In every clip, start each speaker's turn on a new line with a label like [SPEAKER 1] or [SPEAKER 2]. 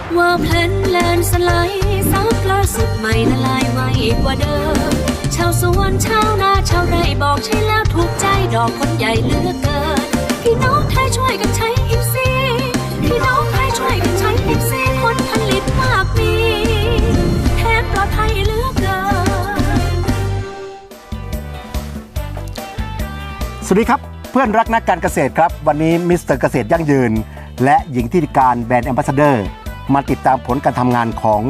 [SPEAKER 1] ว่าเพลนแลนสไลด์ซับล่าสุดใหม่ละลายไวกว่าเดิมชาวสวนชาวนาชาวไร่บอกใช่แล้วถูกใจดอกคนใหญ่เหลือเกินพี่น้องไทยช่วยกันใช้อิฟซีพี่น้องไทยช่วยกันใช้อิฟซีผลผลิตมากมีแทนปลอดภัยเหลือเกิน
[SPEAKER 2] สวัสดีครับเพื่อนรักนักการเกษตรครับวันนี้มิสเตอร์เกษตรยั่งยืนและหญิงที่การแบรนด์แอมบาสเดอร์มาติดตามผลการทำงานของ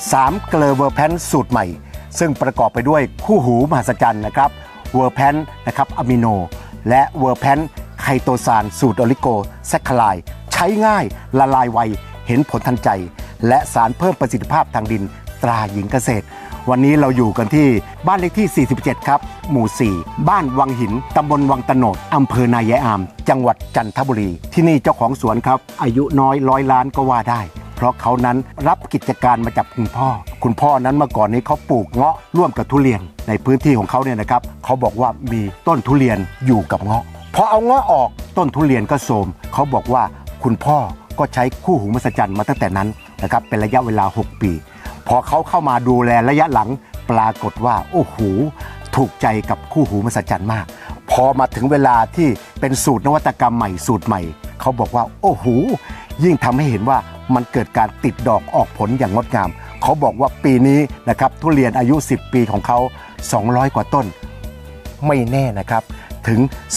[SPEAKER 2] 3เกลอเวอร์แพนสูตรใหม่ซึ่งประกอบไปด้วยคู่หูมหัศจรรย์นะครับเวอร์แพนนะครับอะมิโนและเวอร์แพนไคโตซานสูตรโอลิโกแซคคาไลใช้ง่ายละลายไวเห็นผลทันใจและสารเพิ่มประสิทธิภาพทางดินตราหญิงเกษตรวันนี้เราอยู่กันที่บ้านเลขที่47ครับหมู่4บ้านวังหินตำบลวังตะโนดอำเภอนายายอามจังหวัดจันทบุรีที่นี่เจ้าของสวนครับอายุน้อย100 ล้านก็ว่าได้เพราะเขานั้นรับกิจการมาจากคุณพ่อนั้นเมื่อก่อนนี้เขาปลูกเงาะร่วมกับทุเรียนในพื้นที่ของเขาเนี่ยนะครับเขาบอกว่ามีต้นทุเรียนอยู่กับเงาะพอเอาเงาะออกต้นทุเรียนก็โทรมเขาบอกว่าคุณพ่อก็ใช้คู่หูมหัศจรรย์มาตั้งแต่นั้นนะครับเป็นระยะเวลา6 ปีพอเขาเข้ามาดูแลระยะหลังปรากฏว่าโอ้โหถูกใจกับคู่หูมหัศจรรย์มากพอมาถึงเวลาที่เป็นสูตรนวัตกรรมใหม่สูตรใหม่เขาบอกว่าโอ้โหยิ่งทำให้เห็นว่ามันเกิดการติดดอกออกผลอย่างงดงามเขาบอกว่าปีนี้นะครับทุเรียนอายุ10 ปีของเขา200 กว่าต้นไม่แน่นะครับถึง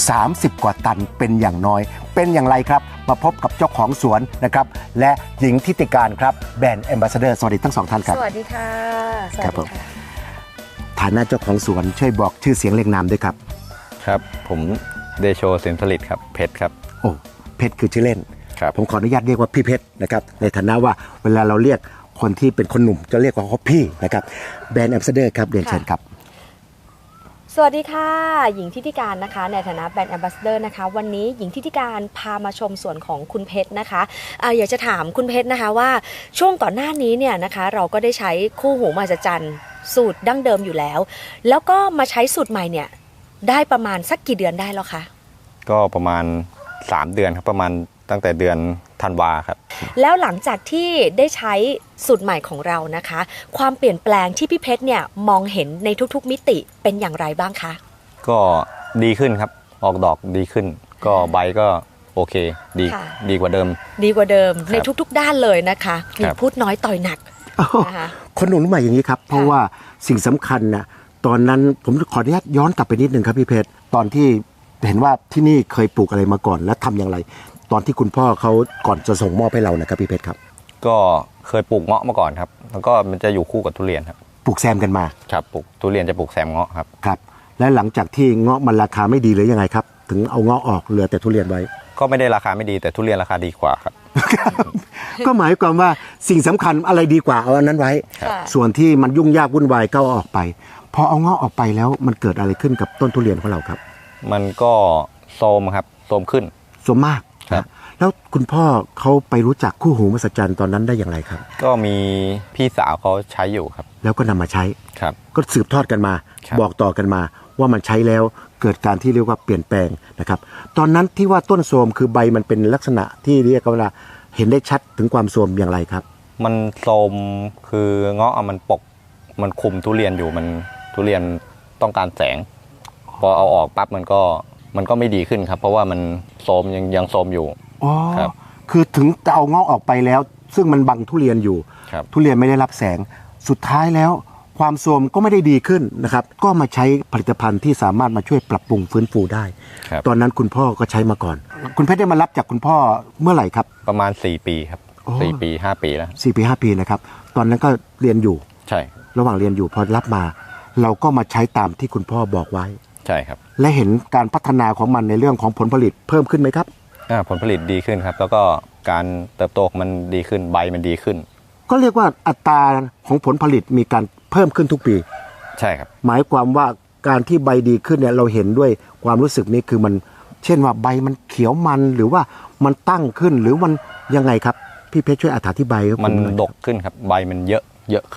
[SPEAKER 2] 30 กว่าตันเป็นอย่างน้อยเป็นอย่างไรครับมาพบกับเจ้าของสวนนะครับและหญิงทิติการครับแบรนด์แอมบาสเดอร์สวัสดีทั้ง2 ท่านครับ
[SPEAKER 3] สวัสดีค่ะ
[SPEAKER 2] ครับผมฐานะเจ้าของสวนช่วยบอกชื่อเสียงเรียงนามด้วยครับ
[SPEAKER 4] ครับผมเดโชสินผลิตครับเพชรครับ
[SPEAKER 2] โอ้เพชรคือชื่อเล่น
[SPEAKER 4] ครับ
[SPEAKER 2] ผมขออนุญาตเรียกว่าพี่เพชรนะครับในฐานะว่าเวลาเราเรียกคนที่เป็นคนหนุ่มจะเรียกว่าเขาพี่นะครับแบรนด์แอมบาสเดอร์ครับเรียนเชิญครับ
[SPEAKER 3] สวัสดีค่ะหญิงทิติการนะคะในฐานะแบรนด์แอมบาสเดอร์นะคะวันนี้หญิงทิติการพามาชมสวนของคุณเพชรนะคะอยากจะถามคุณเพชรนะคะว่าช่วงก่อนหน้านี้เนี่ยนะคะเราก็ได้ใช้คู่หูมหัศจรรย์สูตรดั้งเดิมอยู่แล้วแล้วก็มาใช้สูตรใหม่เนี่ยได้ประมาณสักกี่เดือนได้แล้วคะ
[SPEAKER 4] ก็ประมาณ3 เดือนครับประมาณตั้งแต่เดือนธันวาครับ
[SPEAKER 3] แล้วหลังจากที่ได้ใช้สูตรใหม่ของเรานะคะความเปลี่ยนแปลงที่พี่เพชรเนี่ยมองเห็นในทุกๆมิติเป็นอย่างไรบ้างคะ
[SPEAKER 4] ก็ดีขึ้นครับออกดอกดีขึ้นก็ใบก็โอเคดีกว่าเดิม
[SPEAKER 3] ในทุกๆด้านเลยนะคะมีพูดน้อยต่อยหนัก
[SPEAKER 2] นะคะคนหนุ่มรุ่นใหม่อย่างนี้ครับเพราะว่าสิ่งสำคัญนะตอนนั้นผมขออนุญาตย้อนกลับไปนิดนึงครับพี่เพชรตอนที่เห็นว่าที่นี่เคยปลูกอะไรมาก่อนและทำอย่างไรตอนที่คุณพ่อเขาก่อนจะส่งมอบให้เรานะครับพี่เพชรครับ
[SPEAKER 4] ก็เคยปลูกเงาะมาก่อนครับแล้วก็มันจะอยู่คู่กับทุเรียนครับ
[SPEAKER 2] ปลูกแซมกันมา
[SPEAKER 4] ครับปลูกทุเรียนจะปลูกแซมเงาะครับ
[SPEAKER 2] ครับและหลังจากที่เงาะมันราคาไม่ดีหรือยังไงครับถึงเอาเงาะออกเหลือแต่ทุเรียนไว้
[SPEAKER 4] ก็ไม่ได้ราคาไม่ดีแต่ทุเรียนราคาดีกว่าครับ
[SPEAKER 2] ก็หมายความว่าสิ่งสำคัญอะไรดีกว่าเอาอันนั้นไว้ส่วนที่มันยุ่งยากวุ่นวายก็เอาออกไปพอเอาเงาะออกไปแล้วมันเกิดอะไรขึ้นกับต้นทุเรียนของเราครับ
[SPEAKER 4] มันก็โทรมครับโทรมขึ้น
[SPEAKER 2] โทรมมากครับแล้วคุณพ่อเขาไปรู้จักคู่หูมหัศจรรย์ตอนนั้นได้อย่างไรครับ
[SPEAKER 4] ก็มีพี่สาวเขาใช้อยู่ครับ
[SPEAKER 2] แล้วก็นำมาใช้
[SPEAKER 4] ครับ
[SPEAKER 2] ก็สืบทอดกันมาบอกต่อกันมาว่ามันใช้แล้วเกิดการที่เรียกว่าเปลี่ยนแปลงนะครับตอนนั้นที่ว่าต้นโทรมคือใบมันเป็นลักษณะที่เรียกว่าเห็นได้ชัดถึงความโทรมอย่างไรครับ
[SPEAKER 4] มันโทรมคือเงาะมันปกมันคุมทุเรียนอยู่มันทุเรียนต้องการแสงพอเอาออกปั๊บมันก็ไม่ดีขึ้นครับเพราะว่ามันโทรมยังโทรมอยู่
[SPEAKER 2] ครับคือถึงจะเอาเงาะออกไปแล้วซึ่งมันบังทุเรียนอยู่ทุเรียนไม่ได้รับแสงสุดท้ายแล้วความโทรมก็ไม่ได้ดีขึ้นนะครับก็มาใช้ผลิตภัณฑ์ที่สามารถมาช่วยปรับปรุงฟื้นฟูได้ตอนนั้นคุณพ่อก็ใช้มาก่อนคุณเพชรได้มารับจากคุณพ่อเมื่อไหร่ครับ
[SPEAKER 4] ประมาณ4 ปีครับ4 ปี 5 ปีแล้ว
[SPEAKER 2] 4 ปี 5 ปีนะครับตอนนั้นก็เรียนอยู่
[SPEAKER 4] ใช่
[SPEAKER 2] ระหว่างเรียนอยู่พอรับมาเราก็มาใช้ตามที่คุณพ่อบอกไว้
[SPEAKER 4] ใช่ครับ
[SPEAKER 2] และเห็นการพัฒนาของมันในเรื่องของผลผลิตเพิ่มขึ้นไหมครับ
[SPEAKER 4] ผลผลิตดีขึ้นครับแล้วก็การเติบโตมันดีขึ้นใบมันดีขึ้น
[SPEAKER 2] ก็เรียกว่าอัตราของผลผลิตมีการเพิ่มขึ้นทุกปี
[SPEAKER 4] ใช่ครับ
[SPEAKER 2] หมายความว่าการที่ใบดีขึ้นเนี่ยเราเห็นด้วยความรู้สึกนี้คือมันเช่นว่าใบมันเขียวมันหรือว่ามันตั้งขึ้นหรือมันยังไงครับพี่เพชรช่วยอธิบาย
[SPEAKER 4] มันดกขึ้นครับใบมันเยอะขึ้น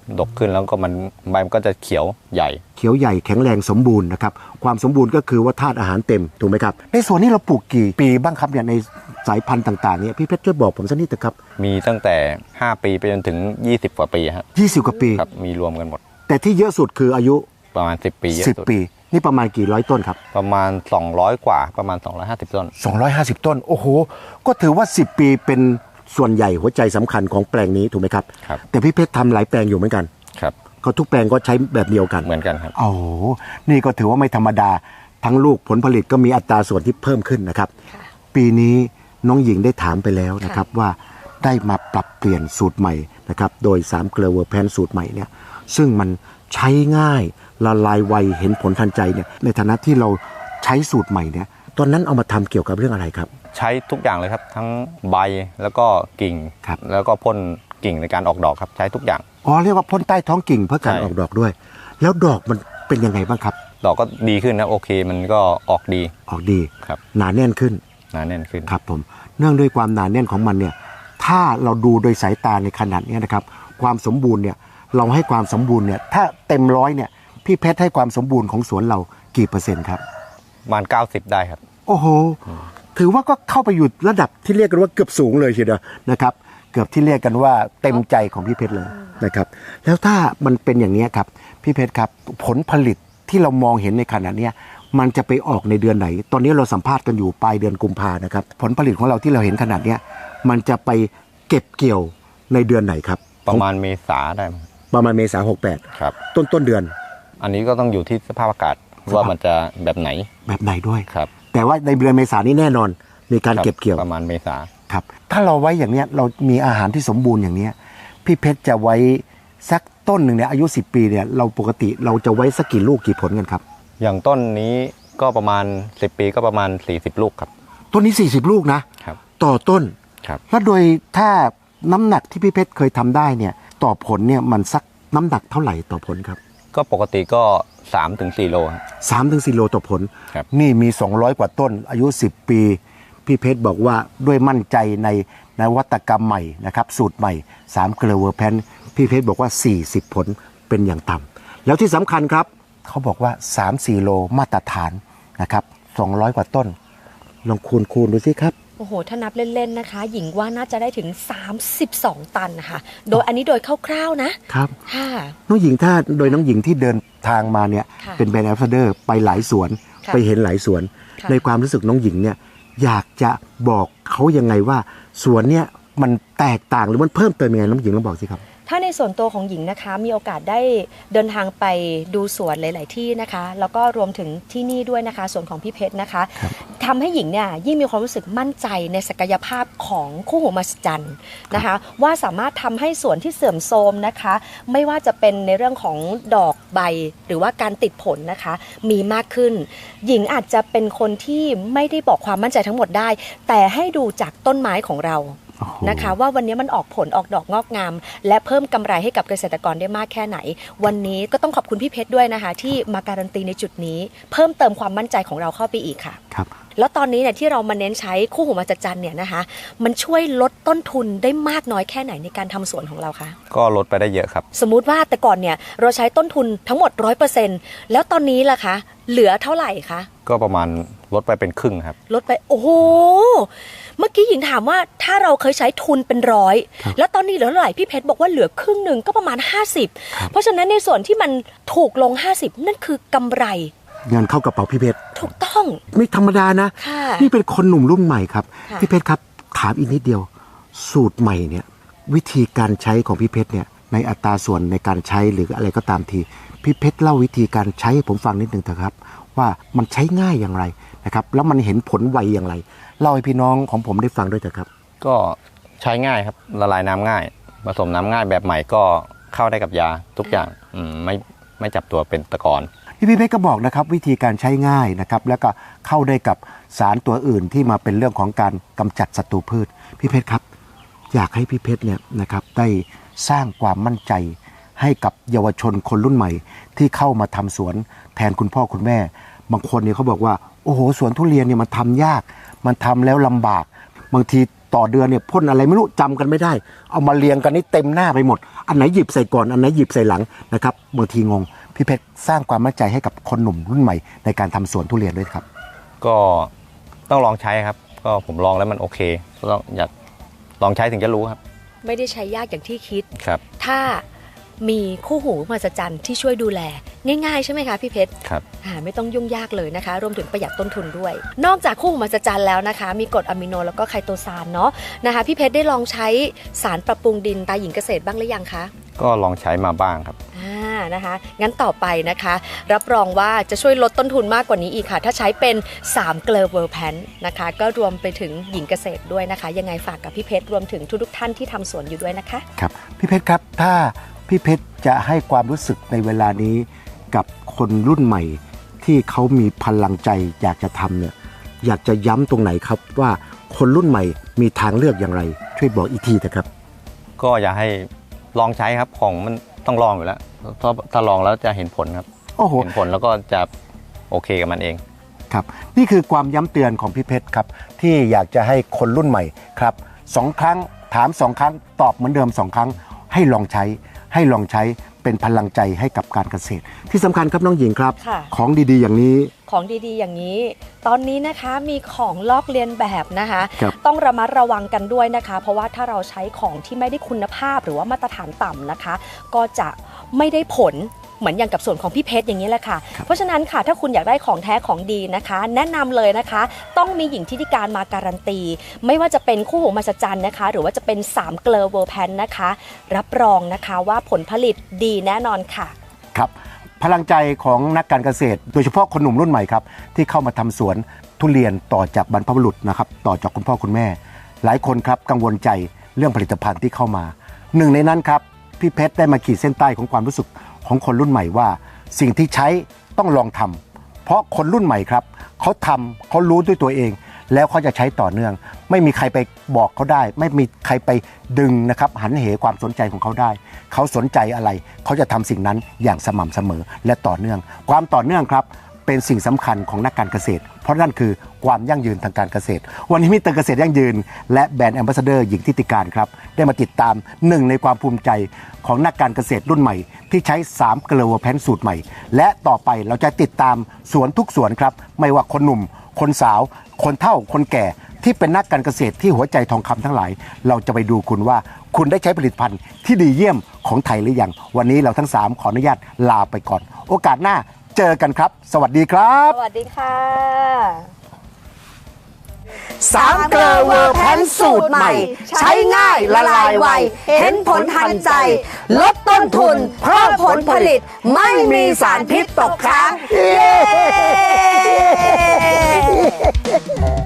[SPEAKER 4] ดกขึ้นแล้วก็ใบมันก็จะเขียวใหญ่
[SPEAKER 2] เขียวใหญ่แข็งแรงสมบูรณ์นะครับความสมบูรณ์ก็คือว่าธาตุอาหารเต็มถูกไหมครับในส่วนนี้เราปลูกกี่ปีบ้างครับเนี่ยในสายพันธุ์ต่างๆเนี่ยพี่เพชรช่วยบอกผมสักนิดเถอะครับ
[SPEAKER 4] มีตั้งแต่5ปีไปจนถึง20กว่าปีครับ
[SPEAKER 2] 20 กว่าปี
[SPEAKER 4] ครับมีรวมกันหมด
[SPEAKER 2] แต่ที่เยอะสุดคืออายุ
[SPEAKER 4] ประมาณ10ปีเยอะสุด
[SPEAKER 2] 10 ปีนี่ประมาณกี่ร้อยต้นครับ
[SPEAKER 4] ประมาณ200กว่าประมาณ250ต้น
[SPEAKER 2] 250 ต้นโอ้โหก็ถือว่า10 ปีเป็นส่วนใหญ่หัวใจสำคัญของแปลงนี้ถูกไหมครับ
[SPEAKER 4] ครับ
[SPEAKER 2] แต่พี่เพชรทำหลายแปลงอยู่เหมือนกัน
[SPEAKER 4] ครับ
[SPEAKER 2] ก็ทุกแปลงก็ใช้แบบเดียวกัน
[SPEAKER 4] เหมือนกันครับ
[SPEAKER 2] โอ้โหนี่ก็ถือว่าไม่ธรรมดาทั้งลูกผลผลิตก็มีอัตราส่วนที่เพิ่มขึ้นนะครับ
[SPEAKER 3] ค่ะ
[SPEAKER 2] ปีนี้น้องหญิงได้ถามไปแล้วนะครับว่าได้มาปรับเปลี่ยนสูตรใหม่นะครับโดย3เกลือเวอร์แพนสูตรใหม่เนี่ยซึ่งมันใช้ง่ายละลายไวเห็นผลทันใจเนี่ยในฐานะที่เราใช้สูตรใหม่เนี่ยตอนนั้นเอามาทำเกี่ยวกับเรื่องอะไรครับ
[SPEAKER 4] ใช้ทุกอย่างเลยครับทั้งใบแล้วก็กิ่ง
[SPEAKER 2] ครับ
[SPEAKER 4] แล้วก็พ่นกิ่งในการออกดอกครับใช้ทุกอย่าง
[SPEAKER 2] อ๋อเรียกว่าพ่นใต้ท้องกิ่งเพื่อการ
[SPEAKER 4] ใช่
[SPEAKER 2] ออกดอกด้วย แล้วดอกมันเป็นยังไงบ้างครับ
[SPEAKER 4] ดอกก็ดีขึ้นนะโอเคมันก็ออกดี
[SPEAKER 2] ออกดี
[SPEAKER 4] ครับ
[SPEAKER 2] หนาแน่นขึ้น
[SPEAKER 4] หนาแน่นขึ้น
[SPEAKER 2] ครับผมเนื่องด้วยความหนาแน่นของมันเนี่ยถ้าเราดูโดยสายตาในขนาดนี้นะครับความสมบูรณ์เนี่ยเราให้ความสมบูรณ์เนี่ยถ้าเต็มร้อยเนี่ยพี่เพชรให้ความสมบูรณ์ของสวนเรากี่เปอร์เซ็นต์ครับ
[SPEAKER 4] ประมาณ90ได้ครับ
[SPEAKER 2] โอ้โหถือว่าก็เข้าไปอยู่ระดับที่เรียกกันว่าเกือบสูงเลยทีเดียวนะครับเกือบที่เรียกกันว่าเต็มใจของพี่เพชรเลยนะครับแล้วถ้ามันเป็นอย่างนี้ครับพี่เพชรครับผลผลิตที่เรามองเห็นในขณะเนี้ยมันจะไปออกในเดือนไหน ตอนนี้เราสัมภาษณ์กันอยู่ปลายเดือนกุมภานะครับผลผลิตของเราที่เราเห็นขนาดเนี้ยมันจะไปเก็บเกี่ยวในเดือนไหนครับ
[SPEAKER 4] ประมาณเมษาได้มั้ง
[SPEAKER 2] ประมาณเมษา
[SPEAKER 4] ครับ
[SPEAKER 2] 68ต้นเดือน
[SPEAKER 4] อันนี้ก็ต้องอยู่ที่สภาพอากาศว่ามันจะแบบไหน
[SPEAKER 2] แบบไหนด้วย
[SPEAKER 4] ครับ
[SPEAKER 2] แต่ว่าในเดือนเมษานี้แน่นอนมีการ
[SPEAKER 4] ครับ
[SPEAKER 2] เก็บเกี่ยว
[SPEAKER 4] ประมาณเมษา
[SPEAKER 2] ครับถ้าเราไว้อย่างเนี้ยเรามีอาหารที่สมบูรณ์อย่างเนี้ยพี่เพชรจะไว้สักต้นหนึ่งเนี่ยอายุ10 ปีเนี่ยเราปกติเราจะไว้สักกี่ลูกกี่ผลกันครับ
[SPEAKER 4] อย่างต้นนี้ก็ประมาณ10ปีก็ประมาณ40ลูกครับ
[SPEAKER 2] ต้นนี้40ลูกนะครับ ต่อต้น
[SPEAKER 4] ครับ
[SPEAKER 2] แล้วโดยถ้าน้ำหนักที่พี่เพชรเคยทำได้เนี่ยต่อผลเนี่ยมันสักน้ำหนักเท่าไหร่ต่อผลครับ
[SPEAKER 4] ก็ปกติก็3-4โลครับ
[SPEAKER 2] 3-4 โลต่อผล
[SPEAKER 4] ครับ
[SPEAKER 2] นี่มี200กว่าต้นอายุ10 ปีพี่เพชรบอกว่าด้วยมั่นใจในนวัตกรรมใหม่นะครับสูตรใหม่3เกลือเวอร์แพนพี่เพชรบอกว่า40ผลเป็นอย่างต่ำแล้วที่สำคัญครับเขาบอกว่า 3-4 โลมาตรฐานนะครับ200กว่าต้นลองคูณดูสิครับ
[SPEAKER 3] โอ้โหถ้านับเล่นๆนะคะ หญิงว่าน่าจะได้ถึง32 ตันนะคะโดยอันนี้โดยคร่าวๆนะครับ ค่ะ
[SPEAKER 2] น้องหญิงถ้าโดยน้องหญิงที่เดินทางมาเนี่ย
[SPEAKER 3] ค่ะ
[SPEAKER 2] เป็นแบรนด์แอมบาสเดอร์ไปหลายสวน
[SPEAKER 3] ค่ะ
[SPEAKER 2] ไปเห็นหลายสวน
[SPEAKER 3] ค่ะ
[SPEAKER 2] ในความรู้สึกน้องหญิงเนี่ยอยากจะบอกเขายังไงว่าสวนเนี่ยมันแตกต่างหรือมันเพิ่มเติมยังไงน้องหญิงลองบอกสิครับ
[SPEAKER 3] ถ้าในส่วนตัวของหญิงนะคะมีโอกาสได้เดินทางไปดูสวนหลาย ๆ ที่นะคะ แล้วก็รวมถึงที่นี่ด้วยนะคะส่วนของพี่เพชรนะคะ
[SPEAKER 2] ครับ
[SPEAKER 3] ทำให้หญิงเนี่ยยิ่งมีความรู้สึกมั่นใจในศักยภาพของคู่หูมหัศจรรย์นะคะ ว่าสามารถทำให้สวนที่เสื่อมโทรมนะคะ ไม่ว่าจะเป็นในเรื่องของดอกใบหรือว่าการติดผลนะคะ มีมากขึ้น หญิงอาจจะเป็นคนที่ไม่ได้บอกความมั่นใจทั้งหมดได้ แต่ให้ดูจากต้นไม้ของเรา
[SPEAKER 2] โอ้โห
[SPEAKER 3] นะคะว่าวันนี้มันออกผลออกดอกงอกงาม และเพิ่มกำไรให้กับเกษตรกรได้มากแค่ไหน วันนี้ก็ต้องขอบคุณพี่เพชรด้วยนะคะ ที่มาการันตีในจุดนี้ เพิ่มเติมความมั่นใจของเราเข้าไปอีกค่ะ
[SPEAKER 2] ครับ
[SPEAKER 3] แล้วตอนนี้เนี่ยที่เรามาเน้นใช้คู่หูมหัศจรรย์เนี่ยนะคะ มันช่วยลดต้นทุนได้มากน้อยแค่ไหนในการทำสวนของเราคะ
[SPEAKER 4] ก็ลดไปได้เยอะครับ
[SPEAKER 3] สมมุติว่าแต่ก่อนเนี่ยเราใช้ต้นทุนทั้งหมด 100%แล้วตอนนี้ล่ะคะเหลือเท่าไหร่คะ
[SPEAKER 4] ก็ประมาณลดไปเป็นครึ่งครับ
[SPEAKER 3] ลดไปโอ้โหเมื่อกี้หญิงถามว่าถ้าเราเคยใช้ทุนเป็น100แล้วตอนนี้เหลือเท่าไหร่พี่เพชรบอกว่าเหลือครึ่งหนึ่งก็ประมาณ50เพราะฉะนั้นในส่วนที่มันถูกลง50นั่นคือกำไร
[SPEAKER 2] เงินเข้ากระเป๋าพี่เพชร
[SPEAKER 3] ถูกต้อง
[SPEAKER 2] ไม่ธรรมดานะ
[SPEAKER 3] ค่ะ
[SPEAKER 2] นี่เป็นคนหนุ่มรุ่นใหม่ครับ
[SPEAKER 3] ค่ะ
[SPEAKER 2] พี่เพชรครับถามอีกนิดเดียว สูตรใหม่เนี่ยวิธีการใช้ของพี่เพชรเนี่ยในอัตราส่วนในการใช้หรืออะไรก็ตามทีพี่เพชรเล่าวิธีการใช้ให้ผมฟังนิดนึงเถอะครับว่ามันใช้ง่ายอย่างไรนะครับแล้วมันเห็นผลไวอย่างไรเล่าให้พี่น้องของผมได้ฟังด้วยเถอะครับ
[SPEAKER 4] ก็ใช้ง่ายครับละลายน้ำง่าย ผสมน้ำง่ายแบบใหม่ก็เข้าได้กับยาทุกอย่างไม่จับตัวเป็นตะกอน
[SPEAKER 2] พี่เพชรก็บอกนะครับวิธีการใช้ง่ายนะครับแล้วก็เข้าได้กับสารตัวอื่นที่มาเป็นเรื่องของการกำจัดศัตรูพืชพี่เพชรครับอยากให้พี่เพชรเนี่ยนะครับได้สร้างความมั่นใจให้กับเยาวชนคนรุ่นใหม่ ที่เข้ามาทำสวนแทนคุณพ่อคุณแม่ บางคนเนี่ยเขาบอกว่าโอ้โหสวนทุเรียนเนี่ยมันทำยากมันทำแล้วลำบากบางทีต่อเดือนเนี่ยพ่นอะไรไม่รู้จำกันไม่ได้เอามาเรียงกันนี่เต็มหน้าไปหมดอันไหนหยิบใส่ก่อนอันไหนหยิบใส่หลังนะครับบางทีงงพี่เพชรสร้างความมั่นใจให้กับคนหนุ่มรุ่นใหม่ในการทำสวนทุเรียนด้วยครับ
[SPEAKER 4] ก็ต้องลองใช้ครับก็ผมลองแล้วมันโอเคอยากลองใช้ถึงจะรู้ครับ
[SPEAKER 3] ไม่ได้ใช้ยากอย่างที่คิด
[SPEAKER 4] ครับ
[SPEAKER 3] ถ้ามีคู่หูมหัศจรรย์ที่ช่วยดูแลง่ายๆใช่ไหมคะพี่เพชร
[SPEAKER 4] ครับ
[SPEAKER 3] ไม่ต้องยุ่งยากเลยนะคะรวมถึงประหยัดต้นทุนด้วย นอกจากคู่หูมหัศจรรย์แล้วนะคะมีกรดอะมิโนแล้วก็ไคโตซานเนาะนะคะพี่เพชรได้ลองใช้สารปรับปรุงดินตาหญิงเกษตรบ้างหรือยังคะ
[SPEAKER 4] ก็ลองใช้มาบ้างครับ
[SPEAKER 3] นะคะงั้นต่อไปนะคะรับรองว่าจะช่วยลดต้นทุนมากกว่านี้อีกค่ะถ้าใช้เป็น3เกลอเวอร์แพนนะคะก็รวมไปถึงหญิงเกษตรด้วยนะคะยังไงฝากกับพี่เพชรรวมถึงทุกท่านที่ทำสวนอยู่ด้วยนะคะ
[SPEAKER 2] ครับพี่เพชรครับถ้าพี่เพชรจะให้ความรู้สึกในเวลานี้กับคนรุ่นใหม่ที่เขามีพลังใจอยากจะทำเนี่ยอยากจะย้ำตรงไหนครับว่าคนรุ่นใหม่มีทางเลือกอย่างไรช่วยบอกอีกทีนะครับ
[SPEAKER 4] ก็อยากให้ลองใช้ครับของมันต้องลองอยู่แล้วถ้าลองแล้วจะเห็นผลครับเห็นผลแล้วก็จะโอเคกับมันเอง
[SPEAKER 2] ครับนี่คือความย้ำเตือนของพี่เพชรครับที่อยากจะให้คนรุ่นใหม่ครับ2 ครั้งถาม2 ครั้งตอบเหมือนเดิม2 ครั้งให้ลองใช้เป็นพลังใจให้กับการเกษตรที่สำคัญครับน้องหญิงครับของดีๆอย่างนี้
[SPEAKER 3] ของดีๆอย่างนี้ตอนนี้นะคะมีของลอกเลียนแบบนะคะต้องระมัดระวังกันด้วยนะคะเพราะว่าถ้าเราใช้ของที่ไม่ได้คุณภาพหรือว่ามาตรฐานต่ำนะคะก็จะไม่ได้ผลเหมือนอย่างกับส่วนของพี่เพชรอย่างนี้แหละค่ะเพราะฉะนั้นค่ะถ้าคุณอยากได้ของแท้ของดีนะคะแนะนำเลยนะคะต้องมีหญิงทิติการมาการันตีไม่ว่าจะเป็นคู่หูมหัศจรรย์นะคะหรือว่าจะเป็น3เกลอเวอร์แพนนะคะรับรองนะคะว่าผลผลิตดีแน่นอนค่ะ
[SPEAKER 2] ครับพลังใจของนักการเกษตรโดยเฉพาะคนหนุ่มรุ่นใหม่ครับที่เข้ามาทำสวนทุเรียนต่อจากบรรพบุรุษนะครับต่อจากคุณพ่อคุณแม่หลายคนครับกังวลใจเรื่องผลิตภัณฑ์ที่เข้ามาหนึ่งในนั้นครับพี่เพชรได้มาขีดเส้นใต้ของความรู้สึกของคนรุ่นใหม่ว่าสิ่งที่ใช้ต้องลองทำเพราะคนรุ่นใหม่ครับเขาทำเขารู้ด้วยตัวเองแล้วเขาจะใช้ต่อเนื่องไม่มีใครไปบอกเขาได้ไม่มีใครไปดึงนะครับหันเหความสนใจของเขาได้เขาสนใจอะไรเขาจะทำสิ่งนั้นอย่างสม่ำเสมอและต่อเนื่องความต่อเนื่องครับเป็นสิ่งสำคัญของนักการเกษตรเพราะนั่นคือความยั่งยืนทางการเกษตรวันนี้มิสเตอร์เกษตรยั่งยืนและแบรนด์แอมบาสเดอร์หญิงทิติการครับได้มาติดตามหนึ่งในความภูมิใจของนักการเกษตรรุ่นใหม่ที่ใช้3เกลอเวอร์แพนสูตรใหม่และต่อไปเราจะติดตามสวนทุกสวนครับไม่ว่าคนหนุ่มคนสาวคนเฒ่าคนแก่ที่เป็นนักการเกษตรที่หัวใจทองคำทั้งหลายเราจะไปดูคุณว่าคุณได้ใช้ผลิตภัณฑ์ที่ดีเยี่ยมของไทยหรือยังวันนี้เราทั้ง3ขออนุญาตลาไปก่อนโอกาสหน้าเจอกันครับสวัสดีครับ
[SPEAKER 3] สวัสดีค่ะ
[SPEAKER 2] 3เกลอเวอร์แพนสูตรใหม่ใช้ง่ายละลายไวเห็นผลทันใจลดต้นทุนเพิ่มผลผลิตไม่มีสารพิษตกค้างเย้